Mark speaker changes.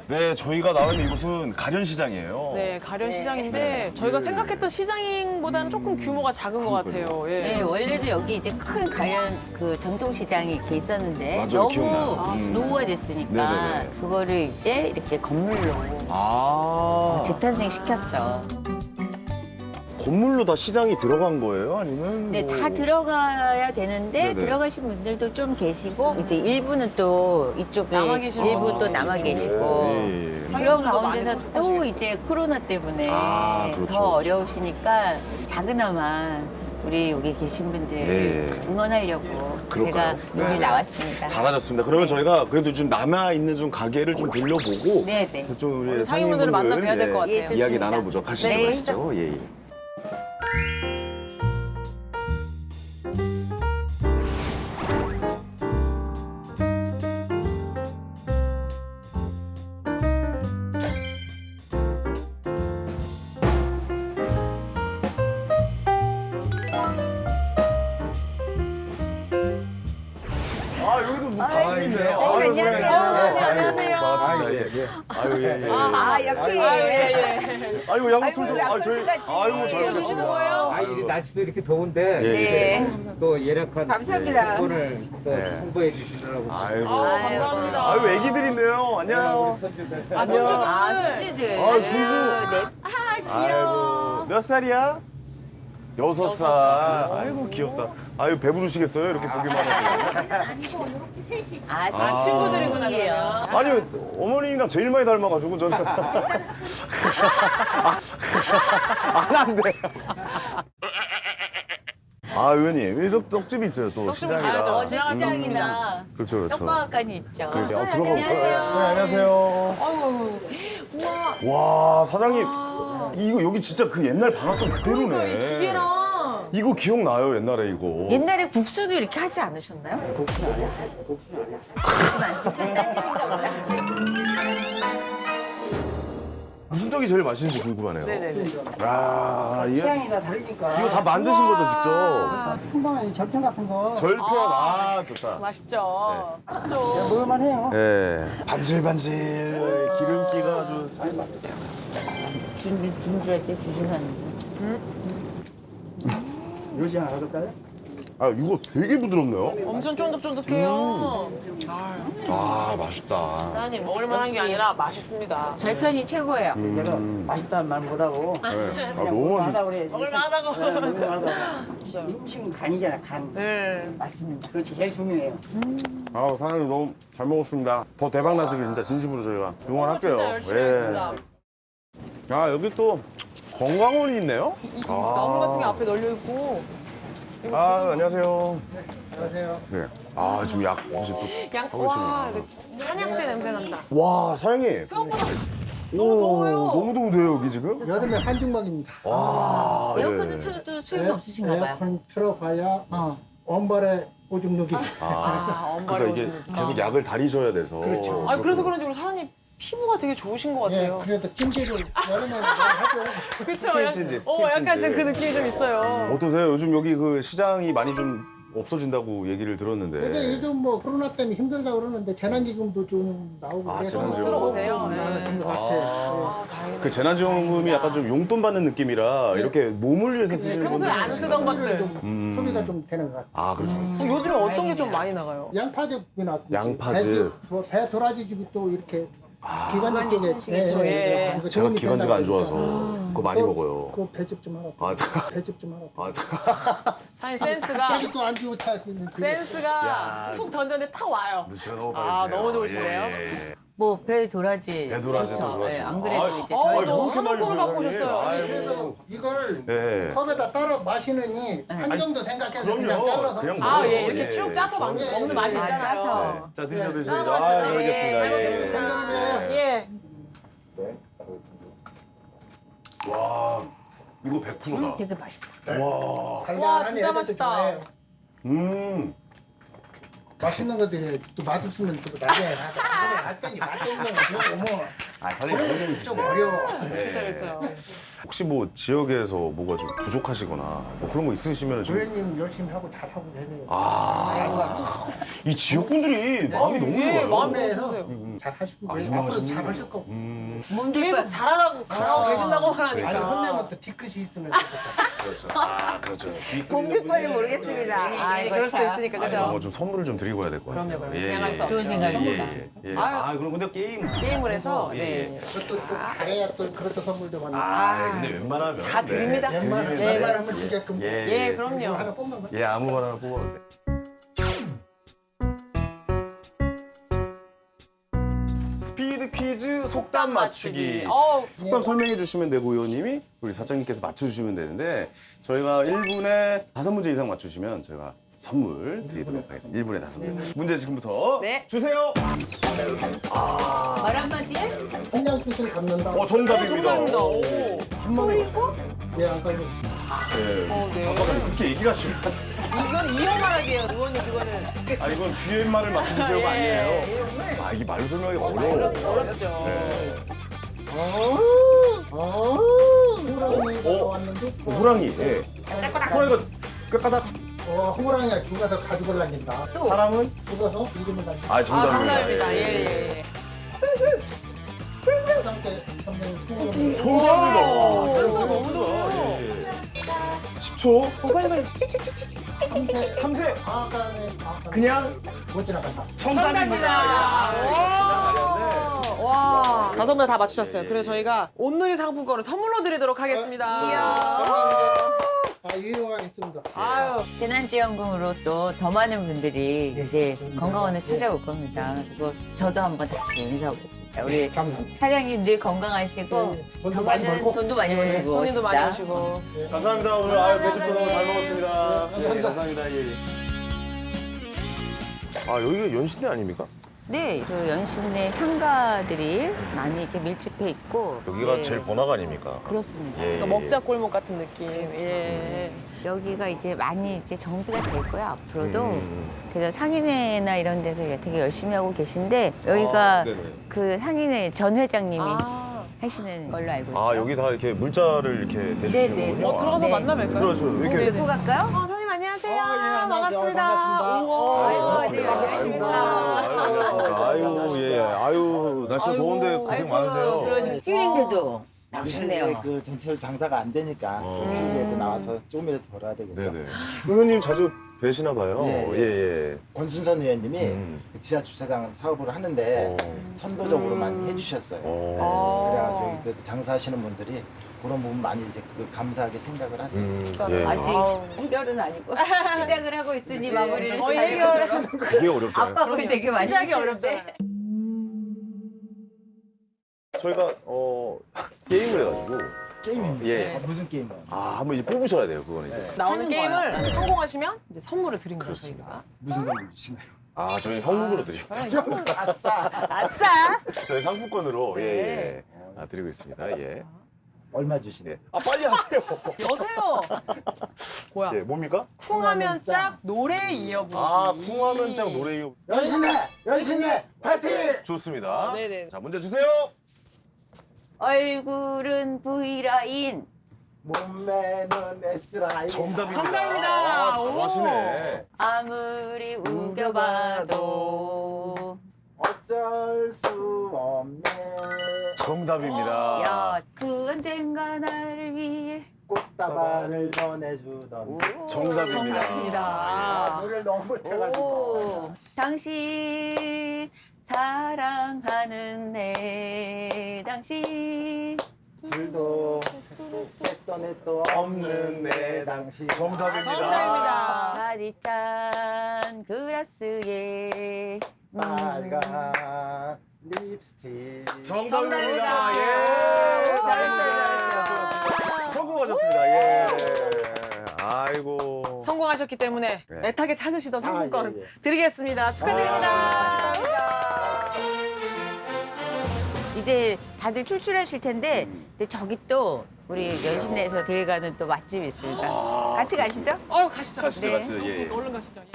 Speaker 1: 네, 저희가 나온 이곳은 가련시장이에요.
Speaker 2: 네, 가련시장인데 저희가 생각했던 시장보다는 조금 규모가 작은 것 같아요. 예.
Speaker 3: 네, 원래도 여기 이제 큰 가연 그 전통시장이 이렇게 있었는데
Speaker 1: 맞아요,
Speaker 3: 너무
Speaker 1: 기억나요.
Speaker 3: 노후가 됐으니까
Speaker 1: 네네네.
Speaker 3: 그거를 이제 이렇게 건물로 재탄생 시켰죠.
Speaker 1: 건물로 다 시장이 들어간 거예요? 아니면?
Speaker 3: 네,
Speaker 1: 뭐...
Speaker 3: 다 들어가야 되는데
Speaker 1: 네네.
Speaker 3: 들어가신 분들도 좀 계시고 이제 일부는 또 이쪽에
Speaker 2: 남아 계시는
Speaker 3: 일부 또
Speaker 2: 분들이
Speaker 3: 남아
Speaker 2: 계시죠.
Speaker 3: 계시고
Speaker 1: 예, 예.
Speaker 3: 그런
Speaker 2: 상인분들도 많이
Speaker 3: 가운데서 또
Speaker 2: 섭섭하시겠어요.
Speaker 3: 이제 코로나 때문에
Speaker 1: 그렇죠,
Speaker 3: 더
Speaker 1: 그렇죠.
Speaker 3: 어려우시니까 작은아마 우리 여기 계신 분들
Speaker 1: 예.
Speaker 3: 응원하려고
Speaker 1: 그럴까요?
Speaker 3: 제가 여기
Speaker 1: 네.
Speaker 3: 나왔습니다.
Speaker 1: 잘하셨습니다. 그러면 저희가 그래도 좀 남아있는 좀 가게를 좀 돌려보고
Speaker 3: 네네.
Speaker 1: 좀 우리
Speaker 2: 우리 상인분들을 만나뵈야 될 것 같아요.
Speaker 3: 예, 좋습니다.
Speaker 1: 이야기 나눠보죠. 가시죠,
Speaker 3: 네.
Speaker 1: 가시죠. 예, 예. 여기도 뭐 관심 있네요.
Speaker 3: 안녕하세요.
Speaker 2: 안녕하세요.
Speaker 1: 반갑습니다. 예. 아유, 예, 예.
Speaker 3: 아, 이렇게.
Speaker 1: 아이고, 양호툴도, 저희,
Speaker 3: 같이.
Speaker 1: 아이고, 잘
Speaker 2: 주시는
Speaker 1: 먹겠습니다.
Speaker 2: 거예요?
Speaker 4: 아, 이 날씨도 이렇게 더운데
Speaker 1: 예,
Speaker 3: 네.
Speaker 4: 또 예약한
Speaker 3: 감사합니다.
Speaker 4: 오늘 또
Speaker 1: 네.
Speaker 4: 홍보해 주시더라고.
Speaker 1: 아이고.
Speaker 2: 감사합니다.
Speaker 1: 아유, 애기들 있네요. 안녕.
Speaker 4: 손주들.
Speaker 2: 아, 손주들.
Speaker 3: 아, 손주들.
Speaker 1: 아, 손주.
Speaker 3: 네.
Speaker 1: 아이고. 몇 살이야? 6살. 아이고, 귀엽다. 아유, 배부르시겠어요? 이렇게 보기만 해도.
Speaker 3: 아,
Speaker 2: 친구들이구나, 그러면.
Speaker 1: 아니, 어머님이랑 제일 많이 닮아가지고, 저는. 안 돼. 아, 의원님, 여기 떡집이 있어요, 또
Speaker 2: 떡집
Speaker 1: 시장이라.
Speaker 2: 가야죠. 지나갈 수
Speaker 3: 시장이나
Speaker 1: 그렇죠, 그렇죠.
Speaker 3: 떡방앗간이 있죠.
Speaker 1: 그렇게 들어가 볼까요?
Speaker 3: 안녕하세요.
Speaker 1: 네, 안녕하세요.
Speaker 2: 아이고,
Speaker 1: 와, 사장님. 이거 여기 진짜 그 옛날 방앗간 그대로네.
Speaker 2: 그러니까 이 기계랑.
Speaker 1: 이거 기억나요, 옛날에 이거.
Speaker 3: 옛날에 국수도 이렇게 하지 않으셨나요? 국수 안 했어요. 딴 짓인가 보다.
Speaker 1: 무슨 떡이 제일 맛있는지 궁금하네요.
Speaker 2: 네네네.
Speaker 1: 아, 이거,
Speaker 5: 취향이 다 다르니까.
Speaker 1: 이거 다 만드신 거죠, 직접?
Speaker 5: 한방에 절편 같은 거
Speaker 1: 절편, 좋다.
Speaker 2: 맛있죠? 맛있죠?
Speaker 5: 먹을만 해요.
Speaker 1: 예, 반질반질, 기름기가 아주.
Speaker 3: 준주할때 주신하는데.
Speaker 5: 요지 하나 넣을까요?
Speaker 1: 아, 이거 되게 부드럽네요.
Speaker 2: 엄청 쫀득쫀득해요.
Speaker 1: 아, 맛있다.
Speaker 2: 사장님, 먹을만한 게 아니라 맛있습니다.
Speaker 3: 절편이 최고예요.
Speaker 5: 내가 맛있다는 말 못하고
Speaker 1: 네. 아, 너무 맛있.
Speaker 5: 먹을만하다고 그래야지.
Speaker 2: 먹을만하다고.
Speaker 5: 먹을만하다고. 음식은 간이잖아, 간.
Speaker 2: 네.
Speaker 5: 맞습니다. 그렇지, 제일 중요해요.
Speaker 1: 아, 사장님 너무 잘 먹었습니다. 더 대박 나시길 진짜 진심으로 저희가 응원할게요.
Speaker 2: 진짜 열심히
Speaker 1: 예.
Speaker 2: 하겠습니다.
Speaker 1: 아, 여기 또 건강원이 있네요.
Speaker 2: 나무 같은 게 앞에 널려 있고.
Speaker 1: 아, 안녕하세요.
Speaker 5: 안녕하세요.
Speaker 1: 네. 아, 지금 약 이제 또
Speaker 2: 양,
Speaker 1: 하고
Speaker 2: 와,
Speaker 1: 계시네요.
Speaker 2: 이거 한약재 냄새 난다.
Speaker 1: 와, 사장님.
Speaker 2: 생각보다 너무 더워요.
Speaker 1: 너무 더운데요, 여기 지금?
Speaker 5: 여름에 한증막입니다.
Speaker 1: 와,
Speaker 3: 에어컨을
Speaker 1: 예.
Speaker 3: 켜도 소용이 없으신가 봐요.
Speaker 5: 에어컨 틀어봐야
Speaker 3: 어.
Speaker 5: 원발에 오줌 누기.
Speaker 1: 그러니까 이게 계속 약을 다리셔야 돼서.
Speaker 5: 그렇죠.
Speaker 2: 아, 그래서 그런지 우리 사장님 피부가 되게 좋으신 것
Speaker 5: 예,
Speaker 2: 같아요.
Speaker 5: 그래도 찜질을 여름에 하죠.
Speaker 2: 그렇죠.
Speaker 1: 스팀 찜질,
Speaker 2: 약간 지금 그 느낌이 좀 있어요.
Speaker 1: 어떠세요? 요즘 여기 그 시장이 많이 좀 없어진다고 얘기를 들었는데.
Speaker 5: 근데 요즘 뭐 코로나 때문에 힘들다고 그러는데 재난기금도 좀 나오고
Speaker 1: 아,
Speaker 5: 그래서
Speaker 1: 재난지원금.
Speaker 2: 쓰러 오세요? 네.
Speaker 5: 나아진 것 같아요.
Speaker 2: 아, 다행이네.
Speaker 1: 그 재난지원금이 약간 좀 용돈 받는 느낌이라 이렇게 몸을 위해서 쓰시는
Speaker 2: 평소에
Speaker 1: 분들이
Speaker 2: 안 쓰던
Speaker 1: 있어요.
Speaker 2: 것들.
Speaker 5: 좀 소비가 좀 되는 것 같아요.
Speaker 1: 아, 그렇죠.
Speaker 2: 요즘에 어떤 게 좀 많이 나가요?
Speaker 5: 양파즙이 나고
Speaker 1: 양파즙.
Speaker 5: 배 도라지즙이 또 이렇게 기관지 쪽에
Speaker 2: 그쵸, 예.
Speaker 5: 그거
Speaker 1: 제가
Speaker 5: 도움이
Speaker 1: 기관지가 안
Speaker 5: 된다고
Speaker 1: 좋아서
Speaker 5: 그러더라고요.
Speaker 1: 그거 많이
Speaker 5: 그거-
Speaker 1: 먹어요.
Speaker 5: 그거 배즙 좀 하라.
Speaker 1: 아,
Speaker 5: 배즙 좀 하라.
Speaker 1: 아,
Speaker 2: 사장님 센스가
Speaker 5: 또안 주고 차.
Speaker 2: 센스가
Speaker 1: 야.
Speaker 2: 툭 던졌는데 탁 와요.
Speaker 1: 눈치가 너무
Speaker 2: 아,
Speaker 1: 빠르세요.
Speaker 2: 너무 좋으시네요.
Speaker 1: 예.
Speaker 3: 뭐 배 도라지.
Speaker 1: 배 도라지도
Speaker 3: 좋죠.
Speaker 1: 좋아하시고.
Speaker 3: 예, 안 그래도
Speaker 1: 아,
Speaker 3: 이제
Speaker 2: 어,
Speaker 3: 저희
Speaker 2: 너무
Speaker 1: 이렇게
Speaker 2: 한
Speaker 1: 많이
Speaker 2: 움큼을 갖고
Speaker 1: 드세요,
Speaker 2: 오셨어요.
Speaker 1: 아이고.
Speaker 5: 그래서 이걸
Speaker 1: 예.
Speaker 5: 컵에다 따라 마시느니 한 정도 생각해서 그냥
Speaker 1: 그럼요.
Speaker 5: 잘라서
Speaker 1: 그냥
Speaker 2: 아,
Speaker 1: 먹어요.
Speaker 2: 예, 이렇게
Speaker 1: 예,
Speaker 2: 쭉 짜서
Speaker 1: 좋아요.
Speaker 2: 먹는 맛이
Speaker 3: 아,
Speaker 2: 있잖아요.
Speaker 3: 짜서.
Speaker 1: 자, 드셔 드셔.
Speaker 2: 아,
Speaker 1: 아,
Speaker 2: 맛있어요.
Speaker 1: 잘 먹겠습니다.
Speaker 2: 잘
Speaker 1: 예.
Speaker 2: 먹겠습니다.
Speaker 5: 예.
Speaker 2: 예.
Speaker 1: 와, 이거 100%다.
Speaker 3: 되게 맛있다.
Speaker 1: 와,
Speaker 5: 달달한
Speaker 2: 진짜
Speaker 5: 애들도
Speaker 2: 맛있다.
Speaker 5: 좋아해요. 맛있는 것들이 또 맛없으면 또 나중에 나중에 맛있는 거 주고 뭐
Speaker 1: 아, 사장님 너무
Speaker 5: 좀
Speaker 1: 재밌으시네요.
Speaker 5: 어려워.
Speaker 2: 그렇죠, 그렇죠.
Speaker 1: 혹시 뭐 지역에서 뭐가 좀 부족하시거나 뭐 그런 거 있으시면 좀.
Speaker 5: 부회님 열심히 하고 잘하고 계세요.
Speaker 1: 이 지역분들이 마음이 너무
Speaker 2: 예,
Speaker 1: 좋아요.
Speaker 2: 마음이
Speaker 5: 동네에서
Speaker 2: 너무 좋으세요.
Speaker 5: 잘하시고
Speaker 1: 아,
Speaker 5: 앞으로
Speaker 1: 유명하신
Speaker 5: 잘하실 거고.
Speaker 2: 계속 잘하고 계신다고만 하니까.
Speaker 5: 아니 혼내면 또 뒤끝이 있으면 좋겠다.
Speaker 1: 그렇죠. 아, 그렇죠.
Speaker 3: 공깃발을 모르겠습니다. 아, 이거
Speaker 2: 그럴 수도
Speaker 3: 참.
Speaker 2: 있으니까
Speaker 1: 아니,
Speaker 2: 그죠?
Speaker 1: 뭐 좀 선물을 좀 드리고 해야 될 것 같아요.
Speaker 2: 그럼요.
Speaker 1: 예,
Speaker 2: 그냥할 수 없죠.
Speaker 3: 좋은 생각입니다.
Speaker 1: 아, 그럼 근데 게임을
Speaker 2: 해서
Speaker 1: 예,
Speaker 2: 네.
Speaker 5: 그것도 또 잘해야 또 그것도 선물도 받는.
Speaker 1: 아, 근데 웬만하면
Speaker 2: 다 드립니다.
Speaker 5: 웬만하면
Speaker 2: 네.
Speaker 5: 웬만하면 주게끔.
Speaker 2: 예,
Speaker 5: 이거 하나
Speaker 2: 그럼요.
Speaker 5: 뽑는 거.
Speaker 1: 예, 아무거나 하나 뽑아보세요. 스피드 퀴즈 속담 맞추기. 속담 설명해 주시면 되고 의원님이 우리 사장님께서 맞춰주시면 되는데 저희가 1분에 5문제 이상 맞추시면 저희가 선물 드리도록 하겠습니다. 1분에 5문제. 문제 지금부터
Speaker 2: 네.
Speaker 1: 주세요.
Speaker 3: 말 한마디에
Speaker 5: 한양 뜻을 갖는다.
Speaker 1: 정답입니다.
Speaker 2: 정답입니다. 오.
Speaker 3: 소리고
Speaker 5: 예, 아까 그
Speaker 1: 네.
Speaker 2: 네.
Speaker 1: 잠깐만 그렇게 얘기를 하시면 안 돼요.
Speaker 2: 이건 이어 말하기예요. 의원님 그거는.
Speaker 1: 아 이건 뒤에 말을 맞춰주세요가
Speaker 2: 예.
Speaker 1: 아니에요. 아 이게 말로 설명하기 어려워.
Speaker 2: 어렵죠.
Speaker 1: 네.
Speaker 5: 호랑이가 왔는데
Speaker 1: 호랑이. 예. 호랑이가 꾀까닥.
Speaker 5: 호랑이가 죽어서 가죽을 남긴다.
Speaker 1: 사람은?
Speaker 5: 죽어서 이름을 남긴다.
Speaker 1: 아
Speaker 2: 아,
Speaker 1: 정답입니다.
Speaker 2: 정답입니다. 예.
Speaker 5: 화장 때 선생님
Speaker 1: 정답입니다.
Speaker 2: 오, 센스가 너무 좋아요.
Speaker 1: 예, 예. 10초.
Speaker 5: 참새
Speaker 1: 참새.
Speaker 5: 아까는
Speaker 1: 그냥
Speaker 5: 못 지나간다.
Speaker 1: 정답입니다.
Speaker 2: 와. 5분 다 맞추셨어요. 그래서 저희가 온누리 상품권을 선물로 드리도록 하겠습니다.
Speaker 5: 유용하겠습니다.
Speaker 2: 아유.
Speaker 3: 재난지원금으로 또 더 많은 분들이 이제 건강원을 찾아올 겁니다. 그리고 저도 한번 다시 인사하겠습니다. 우리
Speaker 5: 감사합니다.
Speaker 3: 사장님 늘 건강하시고
Speaker 5: 네, 돈도
Speaker 3: 더
Speaker 5: 많이
Speaker 3: 많은
Speaker 5: 벌고.
Speaker 3: 돈도 많이 벌시고
Speaker 2: 손님도 많이
Speaker 3: 진짜.
Speaker 2: 오시고.
Speaker 1: 감사합니다. 오늘 배즙도 너무 잘 먹었습니다.
Speaker 5: 네, 감사합니다.
Speaker 1: 감사합니다. 예. 아 여기가 연신내 아닙니까?
Speaker 3: 네, 그 연신내 상가들이 많이 이렇게 밀집해 있고
Speaker 1: 여기가
Speaker 3: 네,
Speaker 1: 제일 번화가 아닙니까?
Speaker 3: 그렇습니다.
Speaker 1: 예.
Speaker 2: 그러니까 먹자 골목 같은 느낌. 예.
Speaker 3: 여기가 이제 많이 이제 정비가 될 거예요 앞으로도.
Speaker 1: 음.
Speaker 3: 그래서 상인회나 이런 데서 되게 열심히 하고 계신데 여기가
Speaker 1: 네네.
Speaker 3: 그 상인회 전 회장님이
Speaker 2: 아.
Speaker 3: 하시는 걸로 알고 있어요.
Speaker 1: 아 여기 다 이렇게 물자를 이렇게 대주시는군요.
Speaker 2: 어, 들어가서
Speaker 3: 네.
Speaker 2: 만나뵐까요?
Speaker 1: 들어가시죠. 이렇게.
Speaker 3: 듣고 갈까요?
Speaker 2: 사장님 안녕하세요.
Speaker 5: 안녕하세요.
Speaker 2: 반갑습니다.
Speaker 5: 반갑습니다.
Speaker 2: 우와.
Speaker 3: 아이고,
Speaker 1: 반갑습니다.
Speaker 3: 네, 반갑습니다.
Speaker 1: 아유, 반갑습니다. 아유, 예. 아유, 날씨가
Speaker 2: 아이고,
Speaker 1: 더운데 고생 많으세요.
Speaker 3: 그런 휴일인데도 나오셨네요.
Speaker 6: 그 전체로 장사가 안 되니까 휴일에도 나와서 조금이라도 벌어야 되겠죠.
Speaker 1: 네네. 의원님 자주 뵈시나 봐요.
Speaker 6: 예,
Speaker 1: 예.
Speaker 6: 권순선 의원님이
Speaker 1: 음.
Speaker 6: 그 지하 주차장 사업을 하는데 천도적으로 많이 해주셨어요. 그래가지고 그 장사하시는 분들이 그런 부분 많이 이제 그 감사하게 생각을 하세요.
Speaker 1: 예.
Speaker 3: 아직 해결은 아니고 시작을 하고 있으니 마무리를
Speaker 2: 거의
Speaker 3: 잘
Speaker 2: 해결을
Speaker 1: 그게 어렵잖아요.
Speaker 3: 압박을 되게 많이
Speaker 2: 시작이
Speaker 3: 하시는데.
Speaker 2: 어렵잖아요.
Speaker 1: 저희가 게임을 해가지고
Speaker 6: 게임입니다.
Speaker 1: 예.
Speaker 6: 무슨 게임이요?
Speaker 1: 아 한번 이제 뽑으셔야 돼요. 그거는 이제.
Speaker 2: 나오는
Speaker 3: 하는
Speaker 2: 게임을 성공하시면 이제 선물을 드립니다.
Speaker 1: 그렇습니다.
Speaker 6: 무슨 선물 주시나요?
Speaker 1: 아 저희 현금으로 드립니다.
Speaker 2: 아싸.
Speaker 1: 저희 상품권으로
Speaker 2: 네.
Speaker 1: 예. 아, 드리고 있습니다. 예.
Speaker 6: 얼마 주시나요?
Speaker 1: 예. 아 빨리 하세요.
Speaker 2: 여세요. 뭐야?
Speaker 1: 예. 뭡니까?
Speaker 2: 쿵하면 짝 노래 이어부르기.
Speaker 1: 아 쿵하면 짝 노래 이어.
Speaker 6: 연신내 파이팅!
Speaker 1: 좋습니다.
Speaker 2: 네네.
Speaker 1: 자 문제 주세요.
Speaker 3: 얼굴은 V라인
Speaker 6: 몸매는 S라인.
Speaker 1: 정답입니다.
Speaker 2: 정답입니다.
Speaker 1: 아,
Speaker 2: 오.
Speaker 1: 잘하시네.
Speaker 3: 아무리 우겨봐도
Speaker 6: 어쩔 수 없네.
Speaker 1: 정답입니다.
Speaker 3: 야, 그 언젠가 나를 위해
Speaker 6: 꽃다발을 전해주던
Speaker 1: 정답입니다.
Speaker 2: 정답입니다.
Speaker 6: 노래를 너무 못해가지고.
Speaker 3: 오, 당신 사랑하는 내 당신
Speaker 6: 둘도 셋도 넷도 없는 내 당시.
Speaker 1: 정답입니다.
Speaker 2: 정답입니다.
Speaker 3: 가디찬 그라스에
Speaker 6: 빨간 립스틱.
Speaker 1: 정답입니다. 예.
Speaker 2: 잘했어요.
Speaker 1: 성공하셨습니다. 예. 아이고.
Speaker 2: 성공하셨기 때문에
Speaker 1: 네.
Speaker 2: 애타게 찾으시던 상품권
Speaker 6: 예, 예.
Speaker 2: 드리겠습니다. 축하드립니다.
Speaker 3: 이제 다들 출출하실 텐데 근데 저기 또 우리 연신내에서 대회 가는 또 맛집이 있습니다. 같이 가시죠?
Speaker 2: 가시죠.
Speaker 1: 가시죠,
Speaker 3: 네.
Speaker 1: 가시죠. 예.
Speaker 2: 얼른 가시죠.